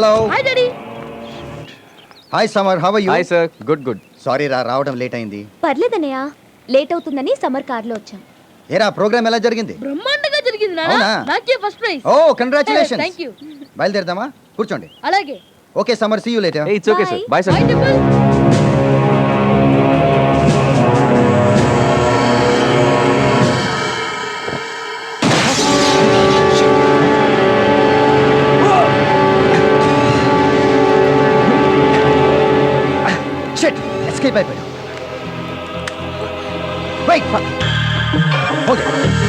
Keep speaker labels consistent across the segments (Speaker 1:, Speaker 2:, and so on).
Speaker 1: Hello
Speaker 2: hi daddy.
Speaker 1: Hi Samar, how are you?
Speaker 3: Hi sir, good good.
Speaker 1: Sorry రావడం late అయింది.
Speaker 4: పర్లేదన్నయ్య, late అవుతుందని summer కార్లో వచ్చాం.
Speaker 1: ఏరా ప్రోగ్రామ్ ఎలా జరిగింది?
Speaker 2: బ్రహ్మాండంగా జరిగింది నాన్న.
Speaker 1: అవునా?
Speaker 2: నాకే first prize.
Speaker 1: Oh congratulations.
Speaker 2: Thank you.
Speaker 1: బయలుదేరదామా? కూర్చోండి.
Speaker 2: అలాగే.
Speaker 1: Okay Samar, see you later.
Speaker 3: Hey, it's okay sir. Bye sir.
Speaker 2: Hi temple.
Speaker 1: Shit, escape అయిపోయాడు. వెయిట్. ఓకే.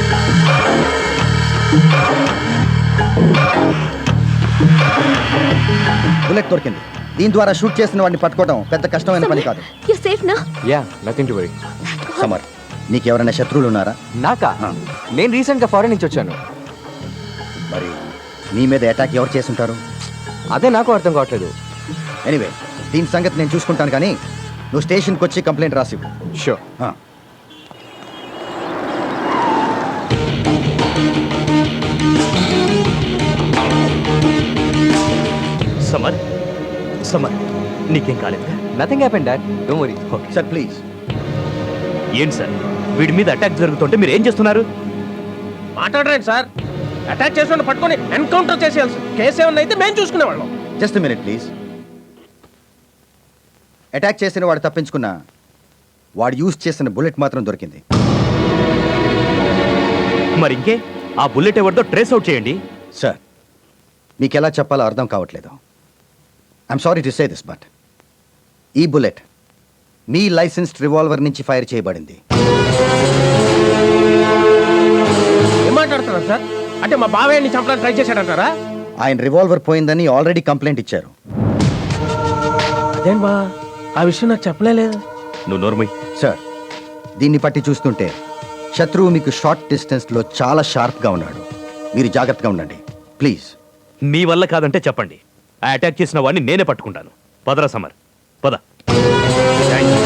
Speaker 1: బుల్లెట్ దొరికింది. దీని ద్వారా షూట్ చేసిన వాడిని పట్టుకోవడం పెద్ద కష్టమైన పని కాదు.
Speaker 4: యు సేఫ్ నా?
Speaker 3: Yeah, nothing to worry.
Speaker 1: Samar, నీకెవరైనా శత్రువులు ఉన్నారా?
Speaker 3: నాకా? నేను రీసెంట్ గా ఫారెన్ నుంచి వచ్చాను.
Speaker 1: మరి నీ మీద అటాక్ ఎవరు చేసుంటారు?
Speaker 3: అదే నాకు అర్థం కావట్లేదు.
Speaker 1: ఎనీవే, దీని సంగతి నేను చూసుకుంటాను, కానీ నువ్వు స్టేషన్కి వచ్చి కంప్లైంట్ రాసివ్వు.
Speaker 3: షూర్.
Speaker 5: సమర్, సమర్, నీకేం కాలేదు?
Speaker 3: Nothing happened dad, don't worry.
Speaker 1: Sir please.
Speaker 5: ఏంటి సార్, వీడి మీద అటాక్ జరుగుతుంటే మీరు ఏం చేస్తున్నారు?
Speaker 6: మాట్లాడరండి సార్. అటాక్ చేసిన పట్టుకొని ఎన్కౌంటర్ చేసేయాల్సి. కేసు ఏమన్నా అయితే మేము చూసుకునేవాళ్ళం.
Speaker 1: Just minute please. అటాక్ చేసిన వాడు తప్పించుకున్న వాడు యూజ్ చేసిన బుల్లెట్ మాత్రం దొరికింది.
Speaker 5: మరి ఇంకే ఆ బుల్లెట్ ఎవరిదో ట్రేస్ అవుట్ చేయండి.
Speaker 1: సార్, మీకు ఎలా చెప్పాలో అర్థం కావట్లేదు. I'm sorry to say this, but ఈ బుల్లెట్ మీ లైసెన్స్డ్ రివాల్వర్ నుంచి ఫైర్ చేయబడింది.
Speaker 6: ఏం మాట్లాడుతున్నారు సార్? అంటే మా బావయ్యని చంపడానికి ట్రై చేశాడంటారా?
Speaker 1: ఆయన రివాల్వర్ పోయిందని ఆల్రెడీ కంప్లైంట్ ఇచ్చారు.
Speaker 6: అదేం బా, ఆ విషయం నాకు చెప్పలేదు.
Speaker 5: నువ్వు నోర్మై.
Speaker 1: సార్, దీన్ని బట్టి చూస్తుంటే శత్రువు మీకు షార్ట్ డిస్టెన్స్లో చాలా షార్ప్గా ఉన్నాడు. మీరు జాగ్రత్తగా ఉండండి ప్లీజ్.
Speaker 5: మీ వల్ల కాదంటే చెప్పండి. ఆ అటాక్ చేసిన వాడిని నేనే పట్టుకుంటాను. పదరా సమర్, పద. Thank you.